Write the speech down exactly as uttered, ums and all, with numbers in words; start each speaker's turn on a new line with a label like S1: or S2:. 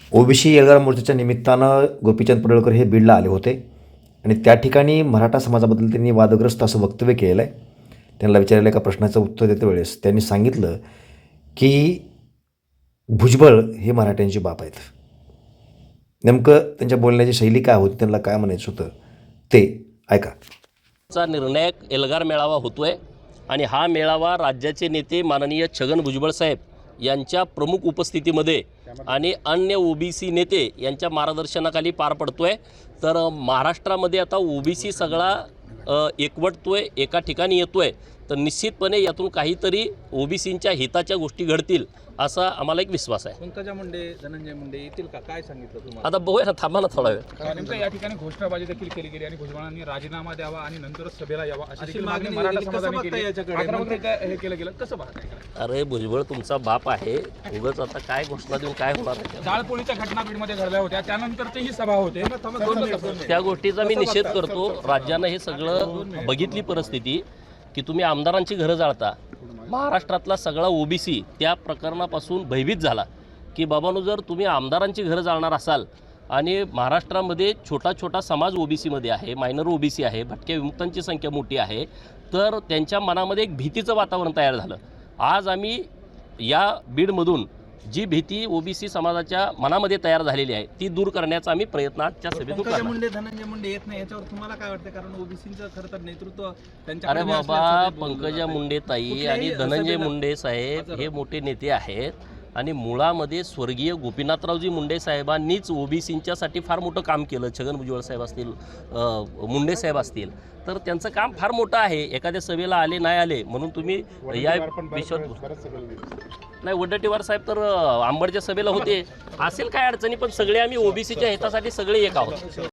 S1: OBC Elgar मोर्चाच्या निमित्तानं गोपीचंद पडळकर हे बीडला आले होते आणि त्या ठिकाणी मराठा समाजाबद्दल त्यांनी वादग्रस्त असं वक्तव्य केलेलं आहे. त्यांना विचारलेल्या एका प्रश्नाचं उत्तर देते वेळेस त्यांनी सांगितलं की भुजबळ हे मराठ्यांचे बाप आहेत. नेमकं त्यांच्या बोलण्याची शैली काय होती, त्यांना काय म्हणायचं होतं ते ऐका.
S2: चा निर्णायक एल्गार मेळावा होतोय आणि हा मेळावा राज्याचे नेते माननीय छगन भुजबळ साहेब यांच्या प्रमुख उपस्थितीमध्ये आणि अन्य ओबीसी नेते यांच्या मार्गदर्शनाखाली पार पडतोय. तर महाराष्ट्रामध्ये आता ओबीसी सगळा अ, एकवटतोय, एका ठिकाणी येतोय. तर निश्चितपणे यातून काहीतरी ओबीसींच्या हिताच्या गोष्टी घडतील असा आम्हाला एक विश्वास आहे.
S3: पंकजा मुंडे, धनंजय मुंडे येतील का, काय सांगितलं तुम्हाला?
S2: आता बघूया ना, थांबा ना थोडा वेळ.
S4: नेमकं या ठिकाणी घोषणाबाजी देखील केली गेली आणि भुजबळांनी राजीनामा द्यावा आणि नंतरच सभेला यावा अशी
S3: अशी
S4: देखील
S3: मागणी
S4: मागणी मराठा
S3: केली. कसं
S4: समाजाने
S3: बघताय
S4: केली.
S3: याच्याकडे?
S4: आक्रमक काय हे केलं गेलं, कसं पाहताय?
S2: अरे भुजबळ तुमचा बाप आहे, उगाच आता काय घोषणा देऊन काय होणार आहे?
S4: जाळपोळीच्या घटना बीडमध्ये घडल्या होत्या, त्यानंतरची ही सभा होते.
S2: त्या गोष्टीचा मी निषेध करतो. राज्यानं हे सगळं बघितली परिस्थिती की तुम्ही आमदारांची घरं जाळता. महाराष्ट्रातला सगळा ओबीसी त्या प्रकरणापासून भयभीत झाला की बाबांनो, जर तुम्ही आमदारांची घरं जाळणार असाल आणि महाराष्ट्रामध्ये छोटा छोटा समाज ओबीसीमध्ये आहे, मायनर ओबीसी आहे, भटक्या विमुक्तांची संख्या मोठी आहे, तर त्यांच्या मनामध्ये एक भीतीचं वातावरण तयार झालं. आज आम्ही या बीडमधून जी भीती ओबीसी समाजाच्या मनामध्ये तयार झालेली आहे ती दूर करण्याचा आम्ही प्रयत्न आजच्या सभेतून
S3: पंकजा
S2: करणार.
S3: मुंडे, धनंजय मुंडे येत नाही याच्यावर तुम्हाला काय वाटतं? कारण ओबीसीचं खरं तर नेतृत्व त्यांच्या.
S2: अरे बाबा, पंकजा मुंडे ताई आणि धनंजय मुंडे साहेब हे मोठे नेते आहेत आणि मुळामध्ये स्वर्गीय गोपीनाथरावजी मुंडे साहेबांनीच ओबीसींच्यासाठी फार मोठं काम केलं. छगन भुजबळ साहेब असतील, मुंडे साहेब असतील, तर त्यांचं काम फार मोठं आहे. एखाद्या सभेला आले नाही आले म्हणून तुम्ही या विश्वात नाही. वडट्टीवार साहेब तर आंबडच्या सभेला होते. असेल काय अडचणी, पण सगळे आम्ही ओबीसीच्या हितासाठी सगळे एक आहोत.